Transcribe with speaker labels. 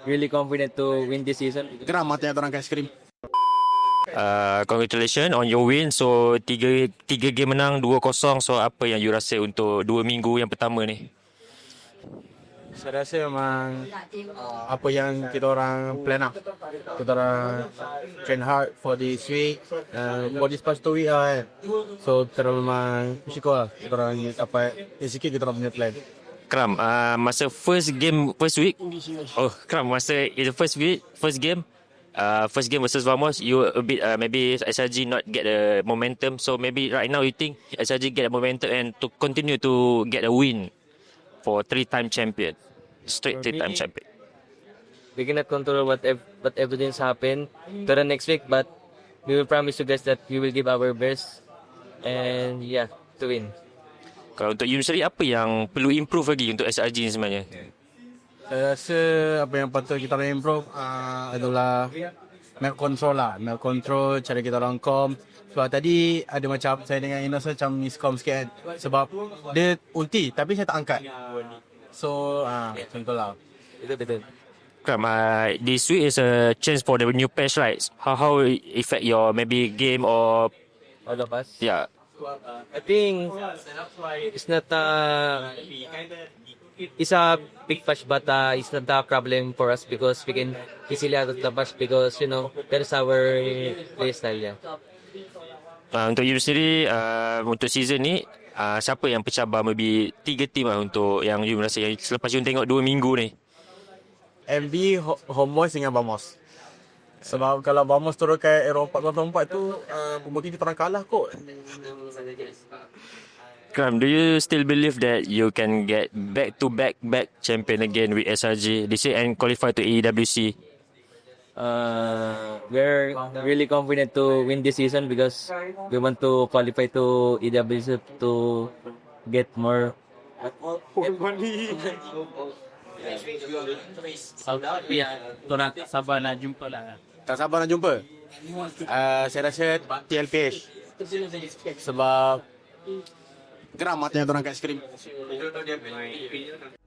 Speaker 1: really confident to win this season.
Speaker 2: Geram matanya orang kat skrim.
Speaker 3: Congratulations on your win. So tiga game menang 2-0. So apa yang you rasa untuk 2 minggu yang pertama ni?
Speaker 2: Saya rasa memang apa yang kita orang plan lah. Kita orang train hard for this week, for this past 2 week lah kan. So kita orang memang bersyukur lah. Kita orang dapat sikit kita orang punya plan.
Speaker 3: Kram, masa first week. Oh, Kram, masa the first game versus Vamos, you a bit maybe SRG not get the momentum. So maybe right now you think SRG get a momentum and to continue to get a win for 3-time champion, straight 3-time champion.
Speaker 1: We cannot control what everything's happened to the next week, but we will promise you guys that we will give our best and yeah, to win.
Speaker 3: Kalau untuk you sendiri, apa yang perlu improve lagi untuk SRG ni sebenarnya?
Speaker 2: Saya rasa apa yang patut kita orang improve adalah map control lah. Map control, cara kita orang com. Sebab tadi ada macam saya dengan Inos macam miscom sikit kan. Sebab dia ulti tapi saya tak angkat. So macam tu lah.
Speaker 1: Itu betul.
Speaker 3: Kram, this week is a chance for the new patch, right? How it affect your maybe game or
Speaker 1: All of us.
Speaker 3: yeah?
Speaker 1: I think it's not it's a big patch, but it's not a problem for us because we can easily out of the patch because that is our play style. Yeah.
Speaker 3: Untuk you sendiri, untuk season ni, siapa yang pencabar maybe 3 team lah untuk yang you rasa yang selepas you tengok 2 minggu ni?
Speaker 2: MV, Homeboys dengan Vamos. Sebab kalau Vamos turun ke Euro 404 tu mungkin kita orang kalah kot.
Speaker 3: Kram, do you still believe that you can get back champion again with SRG this year and qualify to AEWC?
Speaker 1: We're really confident to win this season because we want to qualify to EWC to get more.
Speaker 4: Tak sabar nak jumpa lah.
Speaker 2: Tak sabar nak jumpa. Saya rasa TLPH. Sebab geram matanya orang kat skrim.